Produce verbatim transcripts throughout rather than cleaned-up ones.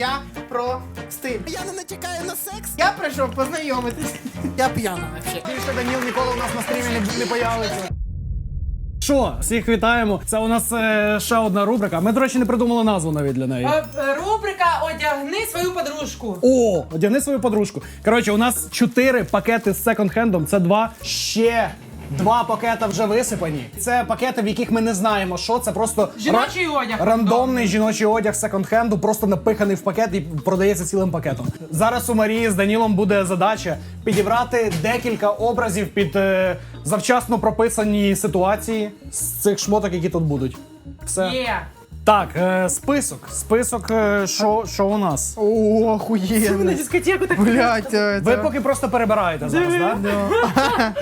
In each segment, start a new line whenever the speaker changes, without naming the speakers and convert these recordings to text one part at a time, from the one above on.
Я про стиль. Я не натякаю на секс. Я прийшов познайомитись. Я п'яна вообще.
Більше Даніл ніколи у нас на стрімі не, не появиться. Що, всіх вітаємо. Це у нас е, ще одна рубрика. Ми, до речі, не придумали назву навіть для неї.
Е, е, Рубрика «Одягни свою подружку».
О, одягни свою подружку. Коротше, у нас чотири пакети з секонд-хендом. Це два. Ще два пакети вже висипані. Це пакети, в яких ми не знаємо, що. Це просто
Жіночий
ра-
одяг.
рандомний жіночий одяг секонд-хенду, просто напиханий в пакет і продається цілим пакетом. Зараз у Марії з Данілом буде задача підібрати декілька образів під е, завчасно прописані ситуації з цих шмоток, які тут будуть. Все.
Є.
Так, е, список. Список, е, що що у нас?
О,
На
охуєнно.
дискотеку так.
Блять,
Ви
це...
поки просто перебираєте зараз, так? Да?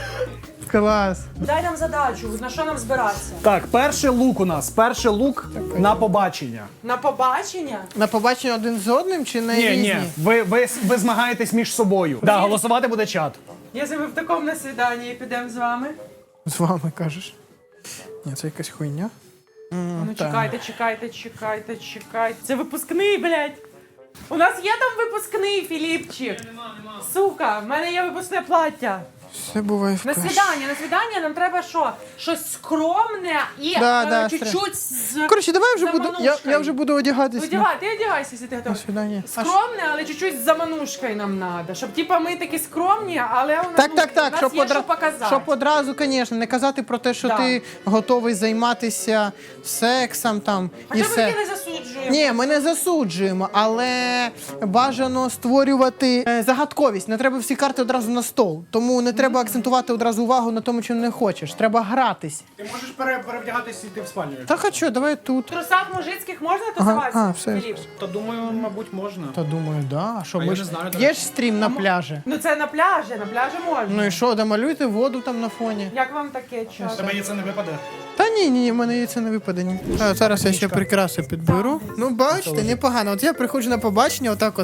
Клас.
Дай нам задачу, на що нам збиратися?
Так, перший лук у нас. Перший лук на побачення.
На побачення?
На побачення один з одним чи на
Ні,
різні?
ні, ви, ви, ви змагаєтесь між собою. Да, голосувати буде чат.
Якщо ми в такому на свіданні підемо з вами.
З вами кажеш. Ні, це якась хуйня.
Ну
так.
чекайте, чекайте, чекайте, чекайте. Це випускний, блядь. У нас є там випускний, Філіпчик. Нема, нема. Сука, в мене є випускне плаття.
Все буває в
На
каші.
свідання, на свідання нам треба що? Щось скромне і
Да,
е,
да,
чуть-чуть з
Коротше, давай вже буду. Я,
заманушкою.
я вже буду одягатись.
Одягай, ти одягайся, якщо ти
На
готовий.
свидання. А що?
Скромне, але чуть-чуть з заманушкою нам треба. Щоб типа ми такі скромні, але у нас,
Так,
ну,
так,
у
так,
нас
щоб,
є
одра...
що показати.
щоб одразу, звісно, не казати про те, що
Да.
ти готовий займатися сексом там і
Хоча ми
все.
таки не засуджуємо.
Ні, ми не засуджуємо, але бажано створювати е, загадковість. Не треба всі карти одразу на стол. Тому не треба акцентувати одразу увагу на тому, чим не хочеш. Треба гратись.
Ти можеш пере, перевдягатись і йти в спальню.
Так а що, давай тут.
В трусах мужицьких можна
Ага,
тусуватися,
а, все.
Філіп?
Та думаю, мабуть, можна.
Та думаю, да. А що,
А
ми
я
ж
не знаю, до
є
речі.
ж стрім на пляжі.
Ну це на пляжі, на пляжі можна.
Ну і що, домалюйте воду там на фоні.
Як вам таке час?
Тебе це не випаде.
Та ні, ні, ні, в мене є це не випаде. Ні. А, зараз я ще прикраси підберу. Ну, бачите, непогано. От я приходжу на побачення, отак от.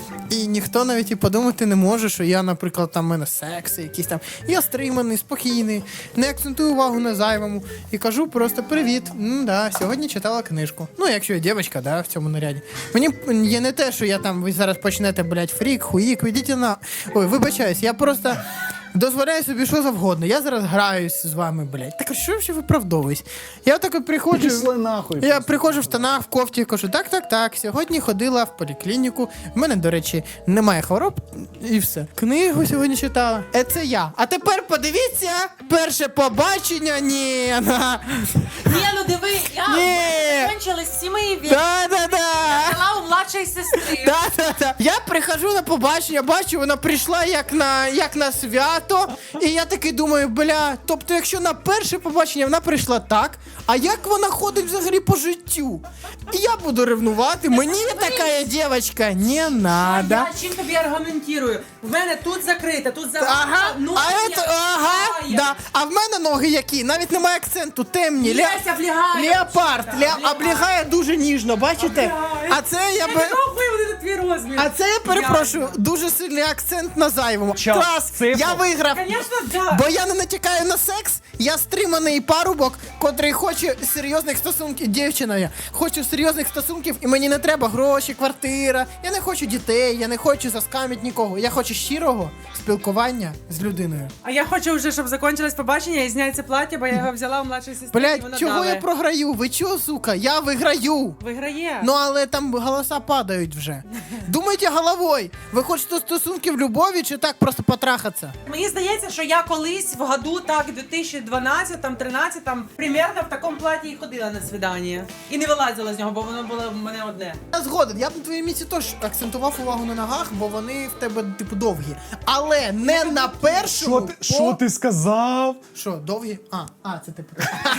І ніхто навіть і подумати не може, що я, наприклад, там в мене секси, якісь там. Я стриманий, спокійний, не акцентую увагу на зайвому. І кажу просто привіт. Ну да, сьогодні читала книжку. Ну, якщо я дівчинка, да, в цьому наряді. Мені є не те, що я там, ви зараз почнете, блядь, фрік, хуїк, ведіть на. Ой, вибачаюсь, я просто. Дозволяю собі що завгодно. Я зараз граюсь з вами, блядь. Так а що ви ще виправдовуюсь? Я так от приходжу.
Пішли нахуй.
Я приходжу в штанах, в кофті, кажу, так, так, так. Сьогодні ходила в поліклініку. В мене, до речі, немає хвороб і все. Книгу сьогодні читала. Е, це я. А тепер подивіться, перше побачення. Ні. на.
Ні, ну диви, я
Ні.
закінчились сімей від
Да, да, да.
у младшої сестри.
Да, да, да. Я приходжу на побачення, бачу, вона прийшла як на, як на свято, і я таки думаю, бля, тобто якщо на перше побачення вона прийшла так, а як вона ходить взагалі по життю? І я буду ревнувати, мені така дівчинка не надо.
Я чим тобі аргументую? В мене тут закрите, тут закрите.
Ага,
ну,
а,
я
это, ага,
влягаю.
да. А в мене ноги які? Навіть немає акценту, темні. Ле...
Леся влягає.
Леопард,
Да,
Ле... облягає дуже ніжно, бачите?
Облягає.
А це я
Я
би...
не рахую вони твій розмір.
А це я перепрошую, дуже сильний акцент на зайвому.
Час,
Клас,
цифру.
я виграв.
Звісно, да.
Бо я не натякаю на секс, я стриманий парубок, котрий хоче серйозних стосунків, дівчина я, хочу серйозних стосунків, і мені не треба гроші, квартира, я не хочу дітей, я не хочу заскамити нікого, я хочу щирого спілкування з людиною.
А я хочу вже, щоб закінчилось побачення і зняти це плаття, бо я його взяла у младшої сестри. і
Блять,
вона
чого
дала.
я програю? Ви чого, сука? Я виграю.
Виграє.
Ну, але там голоса падають вже. Думайте головою. Ви хочете стосунків любові чи так просто потрахатися?
Мені здається, що я колись в году, так, дві тисячі дванадцятому, тринадцятому, примерно в такому платі і ходила на свідання. І не вилазила з нього, бо воно було в мене одне.
Я згоден, я б на твоїй місці теж акцентував увагу на ногах, бо вони в тебе, типу, довгі. Але не на першому.
Що ти, що ти сказав?
Що, довгі? А, а, це типу.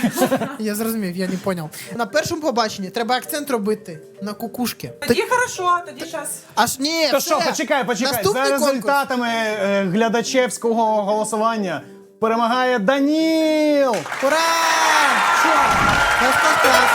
Я зрозумів, я не поняв. На першому побаченні треба акцент робити на кукушки.
Тоді хорошо, тоді щас.
Аж ні,
То
все.
що, почекай, почекай.
Наступний
За
конкурс.
результатами е, глядачевського голосування перемагає Даніл!
Ура! Що? Клас, клас, клас.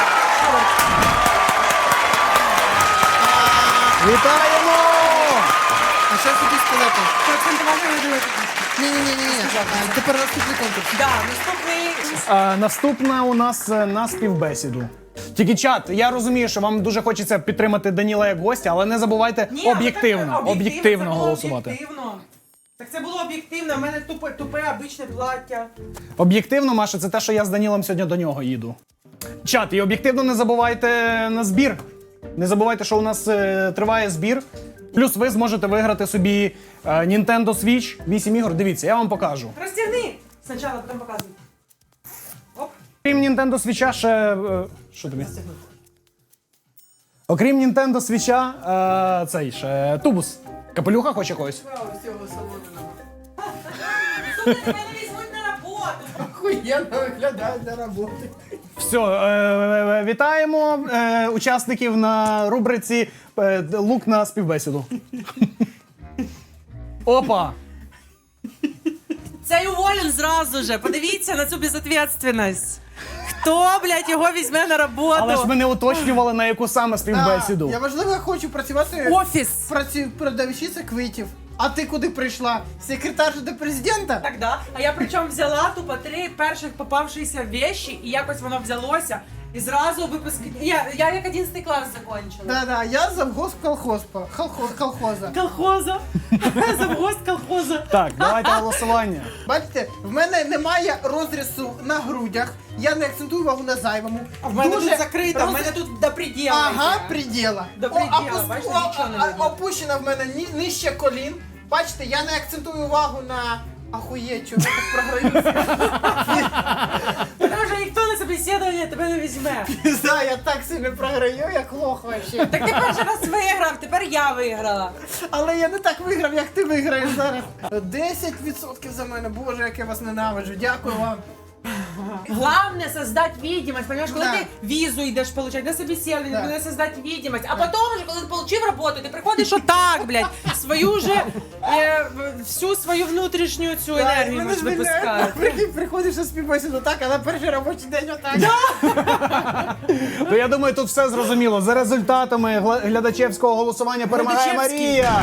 Вітаємо!
А що я хотів сказати?
Поакцентувати не дивитися.
Ні-ні-ні. Тепер наступний конкурс.
Да, наступний.
А, наступна у нас е, на співбесіду. Тільки чат, я розумію, що вам дуже хочеться підтримати Даніла як гостя, але не забувайте
Ні,
об'єктивно,
але так,
об'єктивно
це було
голосувати.
Об'єктивно. Так це було об'єктивно, в мене тупе, тупе обичне плаття.
Об'єктивно, Маша, це те, що я з Данілом сьогодні до нього їду. Чат, і об'єктивно не забувайте на збір. Не забувайте, що у нас е, триває збір. Плюс ви зможете виграти собі е, Nintendo Switch вісім ігор. Дивіться, я вам покажу.
Розтягни! Спочатку, потім показуй. Оп.
Крім Nintendo Switch, ще... е, що тобі? Окрім Nintendo Switch, е, цей ще тубус. Капелюха хоче когось?
Слухай, тебе не візьмуть на роботу.
Охуєнно виглядає для роботи.
Все, е, вітаємо е, учасників на рубриці е, «Лук на співбесіду». Опа!
Цей уволен зразу же. Подивіться на цю безответственность. Хто, блядь, його візьме на роботу?
Але ж ми не уточнювали, на яку саме співбесіду.
А, я важливо хочу працювати
Офіс.
праці... продавщиця квитів. А ти куди прийшла? Секретарша до президента?
Так, да. А я причому взяла тупо три перших попавшися вещи, і якось воно взялося. І зразу випуск... Я, я як одинадцятий клас закончила.
Да-да, я завгосп колхозпа. Холхо... Колхоза.
Колхоза. Завгост колхоза.
Так, давайте голосування.
Бачите, в мене немає розрізу на грудях, я не акцентую увагу на зайвому.
А в мене
Дуже
тут закрито, в
роз-
мене тут до предела.
Ага,
йде.
приділа.
До
О,
предела,
опус-
бачите,
о,
нічого не
а-
видно.
Опущена в мене ні- нижче колін. Бачите, я не акцентую увагу на... Ахуєть, чого я так програюся?
Тому що ніхто на собеседування тебе не візьме.
Пізда, я так сильно програю, як лох вообще.
Так ти перший раз виграв, тепер я виграла.
Але я не так виграв, як ти виграєш зараз. десять відсотків за мене, боже, як я вас ненавиджу. Дякую вам.
Главное создать видимость, понимаешь, коли
Да.
ти візу йдеш получать на собеседование,
Да.
треба создать видимость, а потом уже, коли ти получив роботу, ти приходиш отак, блядь, свою же, е, в- всю свою внутрішню цю енергію
Мене
можеш
ж виляють.
випускати.
Прикинь, приходиш на співбесіду так, а на перший робочий день отак.
То я думаю, тут все зрозуміло. За результатами гла- глядачевського голосування перемагає
Глядачевський.
Марія.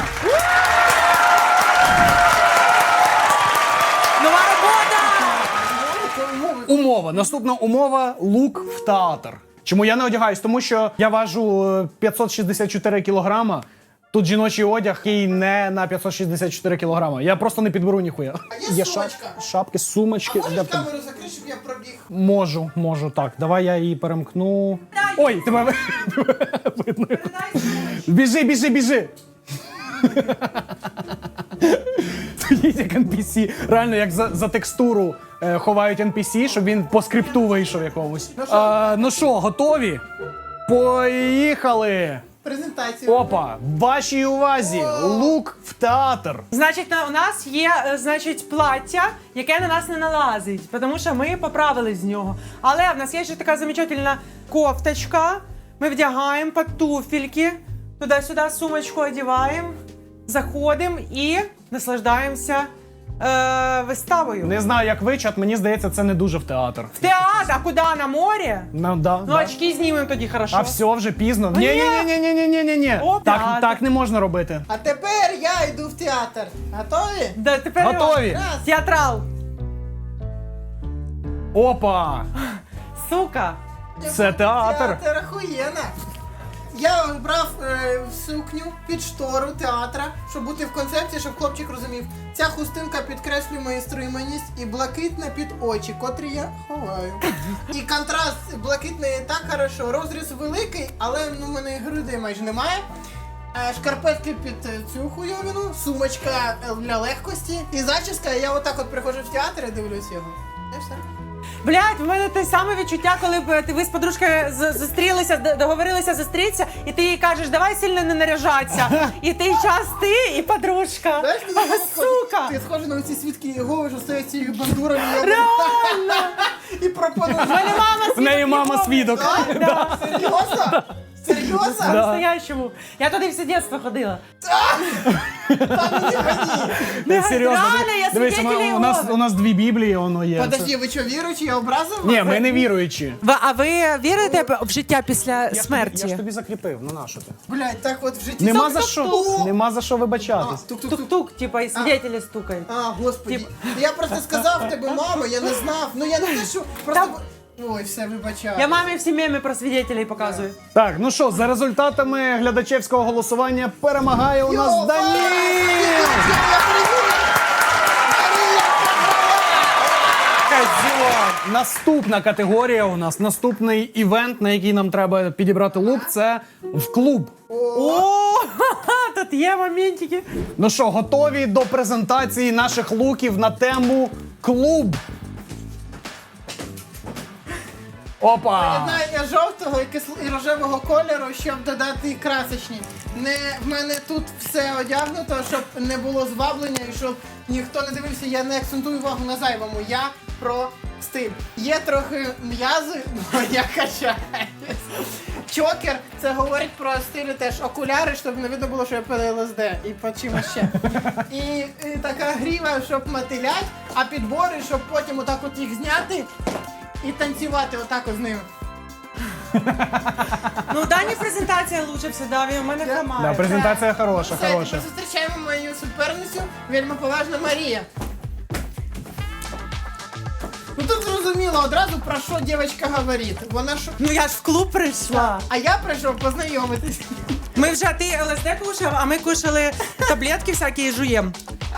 Нова робота!
Умова. Наступна умова – лук в театр. Чому я не одягаюсь? Тому що я важу е, п'ятсот шістдесят чотири кілограма. Тут жіночий одяг, який не на п'ятсот шістдесят чотири кілограма. Я просто не підберу ніхуя.
А є сумочка?
шапки, сумочки.
Можеш
Для тебе.
камеру закрити, щоб я пробіг?
Можу, можу, так. Давай я її перемкну. Ой, тебе ви- видно. Біжи, біжи, біжи. Стоїть як ен пі сі. Реально, як за, за текстуру е, ховають ен пі сі, щоб він по скрипту вийшов якомусь. А, ну що, готові? Поїхали!
Презентацію.
Опа! Вашій увазі! Лук в театр!
Значить, на- у нас є, е, значить, плаття, яке на нас не налазить, тому що ми поправили з нього. Але в нас є ще така замечательна кофточка. Ми вдягаємо під туфельки, туди-сюди сумочку одягаємо, заходимо і наслаждаємося е, виставою.
Не знаю, як ви, чат, мені здається, це не дуже в театр.
В театр, а куди? На море?
Ну, да,
Ну,
да.
очки знімемо тоді, хорошо.
А все, вже пізно. Ні, ні, ні, ні, ні, ні, ні, ні.
О,
Так,
театр.
так не можна робити.
А тепер я йду в театр. Готові?
Да, тепер
Готові?
Раз.
театрал.
Опа!
Сука.
Це театр.
Театр охуєнно. Я брав е, сукню під штору театра, щоб бути в концепції, щоб хлопчик розумів. Ця хустинка підкреслює мою стриманість і блакитна під очі, котрі я ховаю. І контраст блакитний так хорошо. Розріз великий, але ну, в мене грудей майже немає. Е, Шкарпетки під е, цю хуйовину, сумочка е, для легкості і зачіска. Я отак от приходжу в театр і дивлюсь його. І все.
Блять, в мене те саме відчуття, коли б ти ви з подружкою з- зустрілися, д- договорилися зустрітися, і ти їй кажеш, давай сильно не наряжатися. І той час ти і подружка.
Знаєш, мені так схоже-
Сука!
Ти схожа на ці свідки Єгови, що стоять цією бандурами
Реально!
і пропонують.
В мене мама
В неї мама свідок.
Да,
Серйозно? Серйозно?
по-настоящему. Я туди все дитинство ходила.
Та ну не гони.
Не, серйозно.
Реально, я
Дивись,
свидетель
у, у, нас,
Єгови.
у нас дві біблії, воно є.
Подожди, ви що, віруючі? Я образив вас?
Ні, ми не віруючі.
А ви вірите в життя після
Я ж тобі- Я ж тобі закріпив, ну нащо ти?
Блядь, так от в житті...
Нема за
Тук-тук-тук.
що, нема за що
А,
вибачатись.
тук-тук-тук.
Тук-тук, типа, і свидетелі стукають.
А, господи. Я просто сказав тебе, мама, я не знав. Ну я не те, що... Просто...
Там-
Ой, все, вибачаю.
Я мамі всі меми про свідетелей показую.
Так, ну що, за результатами глядачевського голосування перемагає у нас
Йо,
Даніл!
Козьон.
Наступна категорія у нас, наступний івент, на який нам треба підібрати лук, це в клуб.
О, тут є моментики.
Ну що, готові до презентації наших луків на тему клуб? Опа!
Поєднання жовтого і, кисл... і рожевого кольору, щоб додати красочні. Не в мене тут все одягнуто, щоб не було зваблення і щоб ніхто не дивився, я не акцентую увагу на зайвому. Я про стиль. Є трохи м'язи, але я качаюсь. Чокер, це говорить про стилі теж окуляри, щоб не видно було, що я пили ЛСД і по чимось ще. І, і така гріва, щоб мотилять, а підбори, щоб потім отак от їх зняти і танцювати отак от з ними.
Ну, у Дані презентація лучше всегда, він у мене
Да.
хромає.
Да, презентація хороша,
Все,
хороша.
тепер зустрічаємо мою суперницю, вельми поважна Марія. Ну тут зрозуміло одразу, про що дівчинка говорить. Вона що...
Ну я ж в клуб прийшла.
А я прийшов познайомитись.
Ми вже, ти ЛСД кушав, а ми кушали таблетки всякі і жуєм.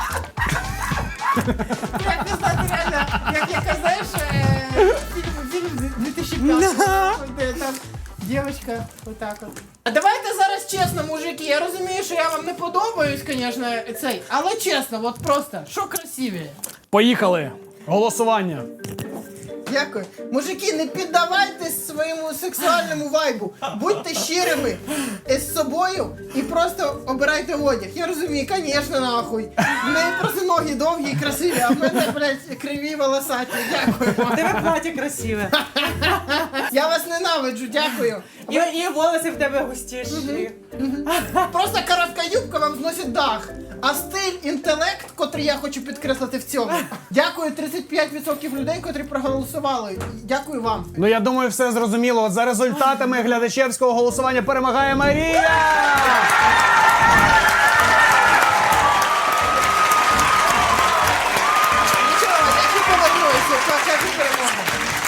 Як не знати реально, як яка, знаєш, е, фільм, фільм дві тисячі п'ятого, де там дівчинка отак от. А давайте зараз чесно, мужики, я розумію, що я вам не подобаюсь, звісно, цей, але чесно, от просто, що красивіше?
Поїхали! Голосування.
Дякую. Мужики, не піддавайтесь своєму сексуальному вайбу. Будьте щирими з собою і просто обирайте одяг. Я розумію, звісно, нахуй. В неї просто ноги довгі і красиві, а в мене, блядь, криві волосаті. Дякую
У
вам.
тебе плаття красиве.
Я вас ненавиджу, дякую.
І, і волоси в тебе густіші.
Просто коротка юбка вам зносить дах. А стиль, інтелект, котрий я хочу підкреслити в цьому. Дякую тридцять п'ять відсотків людей, котрі проголосували. Дякую вам.
Ну я думаю, все зрозуміло. От за результатами глядачевського голосування перемагає Марія!
Нічого, я ще повернуся, покажу перемогу.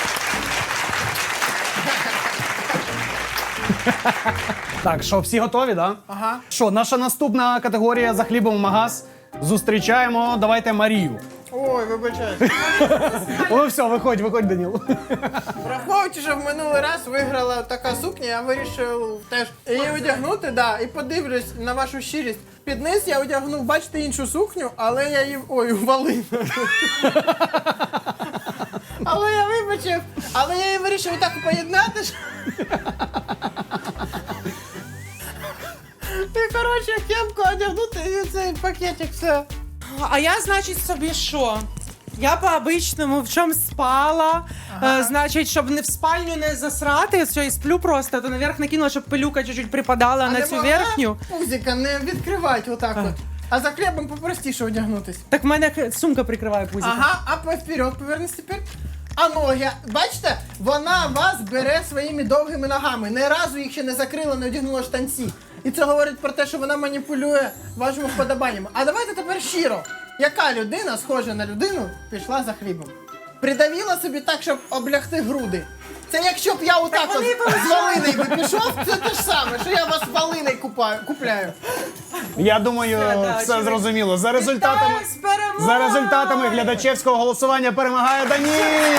Так, що, всі готові, да?
Ага.
Що, наша наступна категорія за хлібом в магаз. Зустрічаємо, давайте Марію.
Ой, вибачайте.
Ну все, виходь, виходь, Даніл.
Враховуючи, що в минулий раз виграла така сукня, я вирішив теж її одягнути, да, і подивлюсь на вашу щирість. Під низ я одягнув, бачите, іншу сукню, але я її... Ой, валину. Але я вибачив, але я її вирішив так поєднати, що... І, коротше, кепку одягнути і цей пакетик, все.
А я, значить, собі що? Я по-обичному в чому спала,
Ага.
е, значить, щоб не в спальню не засрати, все, і сплю просто, то наверх накинула, щоб пилюка чуть-чуть припадала
А
на
не
цю
могла
верхню.
пузика не відкривати отак от. А за хлібом попростіше одягнутись.
Так в мене х- сумка прикриває пузика.
Ага, а по- вперед повернись тепер. А ноги, бачите, вона вас бере своїми довгими ногами. Ні разу їх ще не закрила, не одягнула штанці. І це говорить про те, що вона маніпулює вашими вподобаннями. А давайте тепер щиро. Яка людина, схожа на людину, пішла за хлібом? Придавіла собі так, щоб облягти груди. Це якщо б я отак от
вони
з Волиною би пішов, це те ж саме, що я вас Волиною купаю, купляю.
Я думаю,
Все, да,
все
очевидно.
зрозуміло. За результатами,
Вітаю з перемогою!
за результатами глядачевського голосування перемагає Даніл!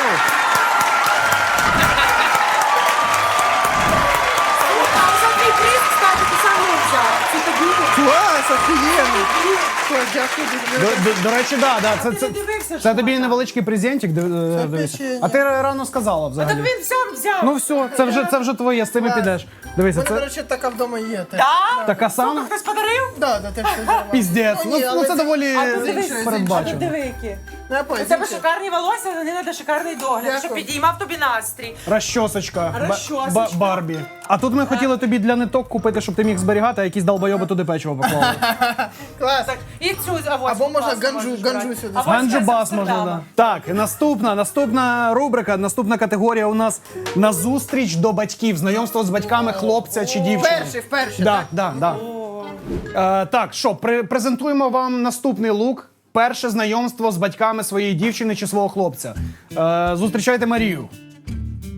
А за твій приз, кстати, ти сам не взяв. Це тобі.
Клас, охуєнно. Ой, дякую
До,
дуже.
до, до речі, да, да, це,
Ти
це,
не дивився,
це
що
тобі
там?
невеличкий презентик. див-
Це
дивися.
печення.
А ти рано сказала
Так
взагалі.
він сам взяв.
Ну все, це вже, це вже твоє, з цим і
Клас.
підеш.
У
Дивися,
мене, до
це
речі, така вдома є. теж.
Да?
така сама?
Хтось подарив?
Да, да, теж все зробила.
Піздець.
Ну,
Ну,
ні,
ну
але
це
це-
доволі
А ти дивись, а
передбачено.
ти диви які.
Ну, я понял,
У тебе
звідси.
шикарні волосся, вони треба шикарний догляд,
Дякую.
щоб підіймав тобі настрій.
Розчосочка. Ба-
Розчосочка.
ба- Барбі. А тут ми хотіли тобі для ниток купити, щоб ти міг зберігати, а якісь долбойоби туди печиво поклали.
Клас.
Так, і цю авось.
Або можна
класно
ганджу-
можеш
ганджу
брати.
сюди.
Авось
Ганджу
з
бас можна,
Амстердама.
да. Так, і наступна, наступна рубрика, наступна категорія у нас на зустріч до батьків, знайомство з батьками хлопця чи дівчини.
Вперше, вперше,
Да,
так?
да, да. Е, так, що, при, презентуємо вам наступний лук. Перше знайомство з батьками своєї дівчини чи свого хлопця. Е, зустрічайте Марію.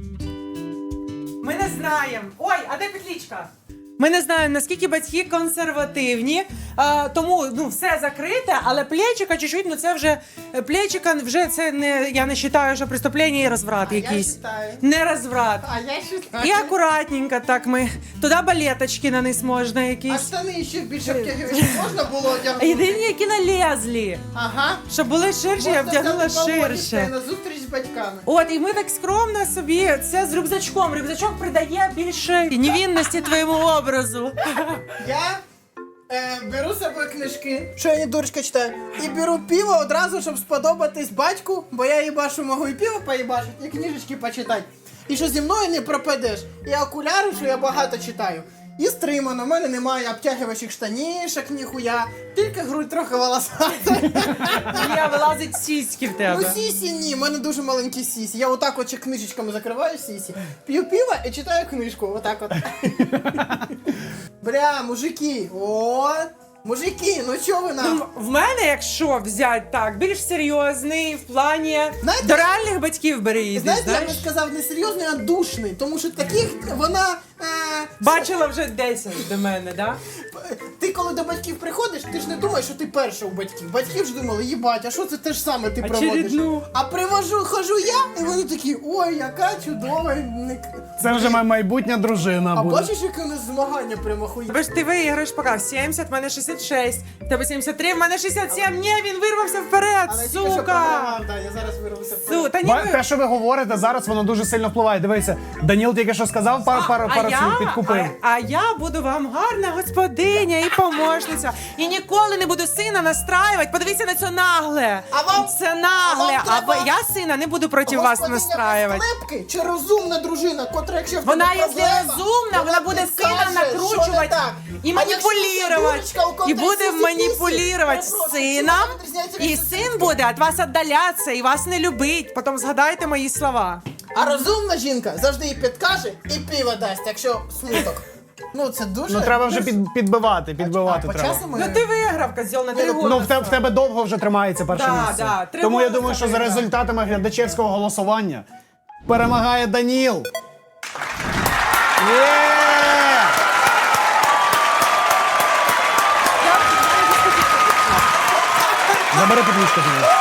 знаємо. Ой, а де петлічка? Ми не знаємо, наскільки батьки консервативні, а, тому ну все закрите, але плечика чуть-чуть, ну це вже плечика вже це не я не вважаю, що преступлення і розврат
А
якийсь.
я считаю.
Не розврат.
А я считаю.
І акуратненько так ми. Туди балеточки на низ можна
А
якісь.
штани ще більше втягивати можна було одягнути?
Єдині, які налезли.
Ага.
Щоб були ширші, я
Можна
вдягнула
взяти балончик та й
ширше.
на зустріч з батьками.
От, і ми так скромно собі це з рюкзачком. Рюкзачок придає більше невинності твоєму образу.
Я е, беру з собою книжки, що я не дурочка читаю, і беру пиво одразу, щоб сподобатись батьку, бо я їбашу можу і пиво поїбашити, і книжечки почитати. І що зі мною не пропадеш. І окуляри, що я багато читаю. І стримано, в мене немає обтягувачів штанішок, ніхуя, тільки грудь трохи волосата.
Я вилазить сіськи в
Ну
тебе.
сісі ні, в мене дуже маленькі сісі. Я отак от ще книжечками закриваю сісі, п'ю пиво і читаю книжку, отак от. Бля, мужики, от, мужики, ну чо ви нам?
Ну, в мене, якщо взяти так, більш серйозний в плані
Знаєте-
до реальних батьків бери її,
Знаєте, я
знаєш?
би сказав не серйозний, а душний, тому що таких вона... Е,
Бачила вже десять до мене, да?
ти коли до батьків приходиш, ти ж не думаєш, що ти перша у батьків. Батьки ж думали, їбать, а що це те ж саме ти проводиш?
Очередну.
А привожу, хожу я, і вони такі, ой, яка чудова. не-
Це вже моя майбутня дружина
А
буде.
бачиш, яке у нас змагання прямо хуй.
Тебе ж ти виграєш поки сімдесят, в мене шістдесят шість, в тебе сімдесят три, в мене шістдесят сім, ні, він вирвався вперед,
Але тільки що
сука!
програвав, да, я зараз вирвався.
Су, та ні,
Ба-
ви-
Те, що ви говорите зараз, воно дуже сильно впливає. Дивися, Даніл тільки що сказав, пару, пару, пару слів підкупив.
а, а я буду вам гарна господиня і помощниця. І ніколи не буду сина настраювати. Подивіться на це нагле.
А вам-
Це нагле.
а вам
А,
треба-
ви- я сина не буду проти вас
Господиня
настраювати.
без клепки чи розумна дружина, котра, якщо в
Вона,
тебе
якщо
проблема,
розумна, вона буде
тобі
сина
каже, що не
накручувати
так.
і
А якщо це
маніпулювати.
дурочка, у котрої
І буде
сісі-пісі,
маніпулювати
перепрошую,
сином.
чим вона відрізняється від
І
сусідки?
син буде від вас віддалятися і вас не любить. Потім згадайте мої слова.
А розумна жінка завжди їй підкаже і пиво дасть, якщо смуток. Ну це дуже...
Ну треба вже під, підбивати, підбивати
а, по
треба.
часу ми...
Ну ти виграв, козьол, на три
ну,
роки.
Ну, в, те, в тебе довго вже тримається перше
Да,
місце.
да, три
Тому я
голоси
думаю, що за
виграв.
результатами глядачевського голосування перемагає Даніл. Є! Забери петличку з неї.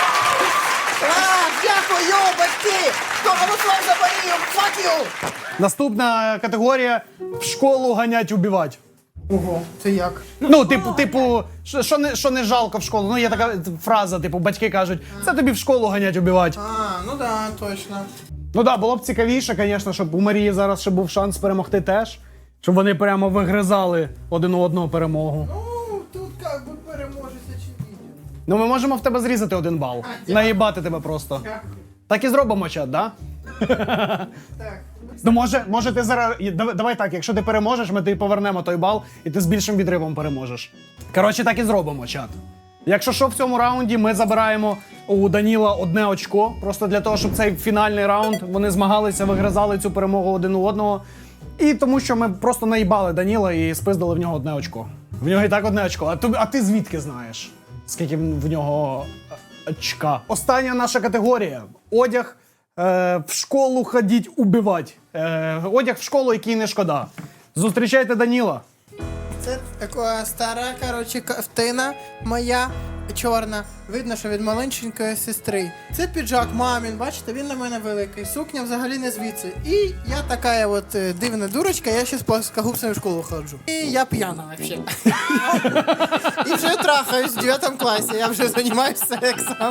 А, дякую, батьки! Хто голосував за Марію? Fuck you!
Наступна категорія в школу ганять убивать.
Ого, це як?
Ну, типу, типу, що, що, не, що не жалко в школу. Ну, є така фраза, типу, батьки кажуть, це тобі в школу ганять убивать.
А, ну да, точно.
Ну так, да, було б цікавіше, звісно, щоб у Марії зараз ще був шанс перемогти теж. Щоб вони прямо вигризали один у одного перемогу.
Ну, тут як би переможець очевидно.
Ну ми можемо в тебе зрізати один бал.
дякую.
Наїбати тебе просто.
Дякую.
Так і зробимо, чат, да?
Так.
Ну може, може ти зараз. і Давай, давай так, якщо ти переможеш, ми тобі повернемо той бал, і ти з більшим відривом переможеш. Коротше, так і зробимо, чат. Якщо що, в цьому раунді ми забираємо у Даніла одне очко, просто для того, щоб цей фінальний раунд вони змагалися, вигризали цю перемогу один у одного. І тому що ми просто наїбали Даніла і спиздили в нього одне очко. В нього і так одне очко. А ти, а ти звідки знаєш, скільки в нього е, очка? Остання наша категорія. Одяг е, в школу ходіть убивать. Е, одяг в школу, який не шкода. Зустрічайте Даніла.
Це така стара, коротше, ковтина моя чорна. Видно, що від маленької сестри. Це піджак мамін, бачите, він на мене великий. Сукня взагалі не звідси. І я така от е, дивна дурочка, я ще з плоскогубцями в школу ходжу. І я п'яна взагалі. І вже трахаюсь в дев'ятому класі, я вже займаюся сексом.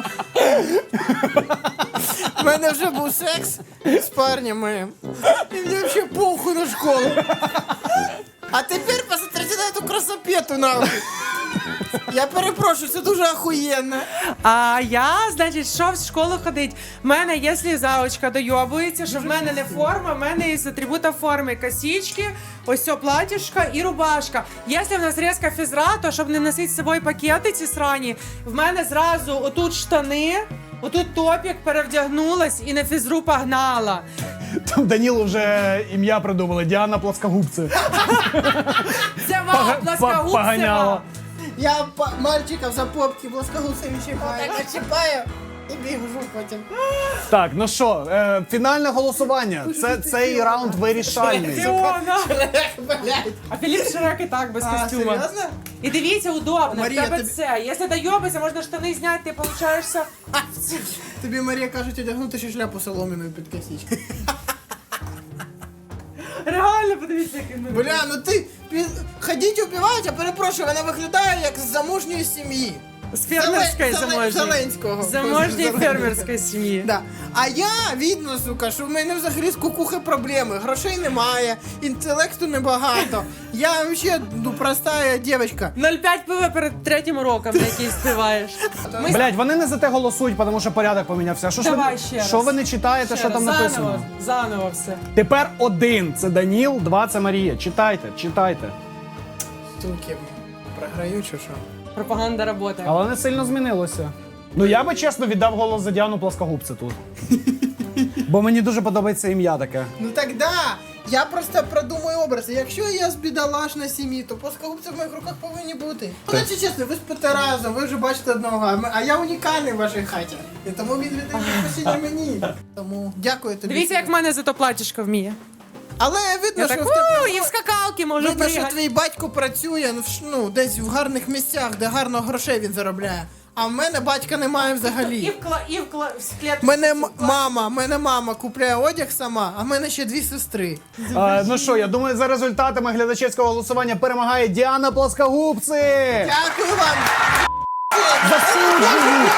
У мене вже був секс з парнем моїм. І мені взагалі похуй на школу. А тепер посмотрите на эту красопету нахуй. Я перепрошую, це дуже охуєнно.
А я, значить, що в школу ходить? В мене, якщо заочка дойобується, що в мене не форма, в мене із атрибута форми косички, ось це платьишко і рубашка. Якщо в нас різка фізра, то щоб не носити з собою пакети ці срані, в мене зразу отут штани, отут топік, перевдягнулась і на фізру погнала.
Там Данілу вже ім'я придумали. Діана Плоскогубці.
Це вам плоскогубцева.
Поганяла.
Я па- мальчиков за попки плоскогубцями чіпаю. Так чіпаю. І бігу потім.
Так, ну що, е, фінальне голосування. Це цей раунд вирішальний.
Фіона!
Блядь.
А Філіп Шрек і так без
А,
костюма.
серйозно?
І дивіться, удобно.
Марія,
в тебе
тобі-
це. Якщо дойобися, можна штани зняти, ти получаєшся.
Тобі Марія кажуть одягнути ще шляпу соломіною під косичку.
Реально, подивіться, як він.
Бля, ну ти пі- ходіть убивають, а перепрошую, вона виглядає як з заможньої сім'ї.
З фермерської
Зелен- Зелен-
заможньої.
Зеленського.
Заможньої
Зеленського.
фермерської сім'ї.
Да. А я, видно, сука, що в мене взагалі з кукухи проблеми. Грошей немає, інтелекту небагато. Я взагалі ну, проста дівчинка.
нуль п'ять пива перед третім уроком, на який співаєш. Ми
Блять, вони не за те голосують, тому що порядок помінявся. Що ж ви,
Давай ще раз.
що ви не читаєте,
ще
що
раз,
там написано?
Заново, заново все.
Тепер один це Даніл, два це Марія. Читайте, читайте.
Суки, програю чи що?
Пропаганда работає.
Але не сильно змінилося. Ну я би чесно віддав голос за Діану Плоскогубце тут. Бо мені дуже подобається ім'я таке.
Ну так да, я просто продумую образи. Якщо я з бідолашної сім'ї, то плоскогубці в моїх руках повинні бути. Ну, значить чесно, ви спите разом, ви вже бачите одного, а ми- а я унікальний в вашій хаті. І тому він віддає посіння мені. Тому дякую тобі.
Дивіться, як в мене зато платічко вміє.
Але видно,
Я
що
так,
в тебе...
«Уу, і в скакалки можу
Видно, що
пригати.
твій батько працює ну, в ш- ну, десь в гарних місцях, де гарно грошей він заробляє. А в мене батька немає
І
взагалі.
в кла... і в кла... в клетку.
Мене м- мама, мене мама купляє одяг сама, а в мене ще дві сестри.
А, ну що, я думаю, за результатами глядачівського голосування перемагає Діана Плоскогубце!
Дякую вам!
Засуджую!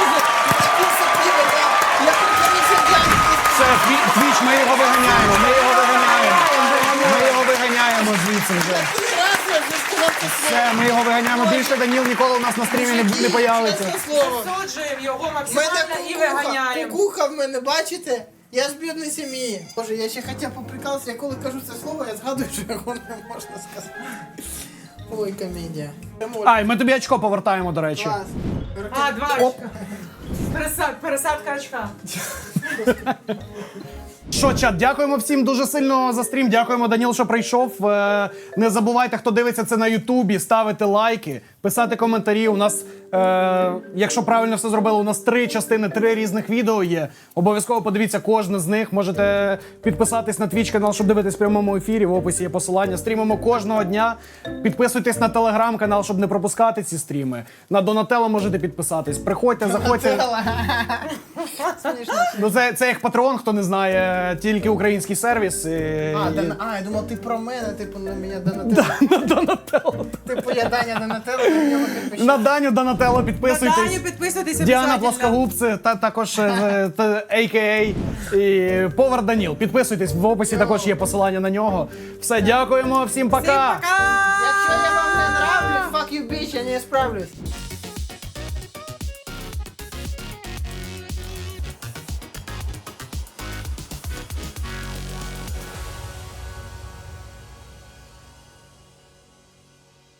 Це Тві- Твіч, ми його виганяємо, ми його виганяємо. Ми його виганяємо звідси вже. Все, ми його виганяємо. Більше Даніл ніколи у нас на стрімі не, не появиться.
Засуджуємо його
Мене
максимально і виганяємо.
кукуха в мене, бачите? Я з бідної сім'ї. Боже, я ще хотів поприкалися, я коли кажу це слово, я згадую, що його не можна сказати. Ой, комедія.
Ай, ми тобі очко повертаємо, до речі.
Клас.
А, два очка. Пересад... Пересадка очка.
Що, чат, дякуємо всім дуже сильно за стрім. Дякуємо, Даніл, що прийшов. Е, Не забувайте, хто дивиться це на Ютубі, ставити лайки, писати коментарі. У нас, е, якщо правильно все зробили, у нас три частини, три різних відео є. Обов'язково подивіться кожне з них. Можете підписатись на Twitch канал, щоб дивитись в прямому ефірі. В описі є посилання. Стрімимо кожного дня. Підписуйтесь на телеграм-канал, щоб не пропускати ці стріми. На Донателло можете підписатись. Приходьте, заходьте. Ну, це, це як Патреон, хто не знає, тільки український сервіс. І...
А, Дана... а, я думав, ти про мене, типу, на мене Донателло.
На Донателло.
Типу, я Даня Донателло, на нього підпишіть.
На Даню Донателло
На
підписуйтесь.
Даню підписуйтесь
Діана
обов'язательно.
Плоскогубце, та також е, та, а ка а і Повар Даніл. Підписуйтесь, в описі також є посилання на нього. Все, дякуємо, всім
Всім
пока!
пока!
Якщо я вам не нравлюсь, fuck you, bitch, я не справлюсь.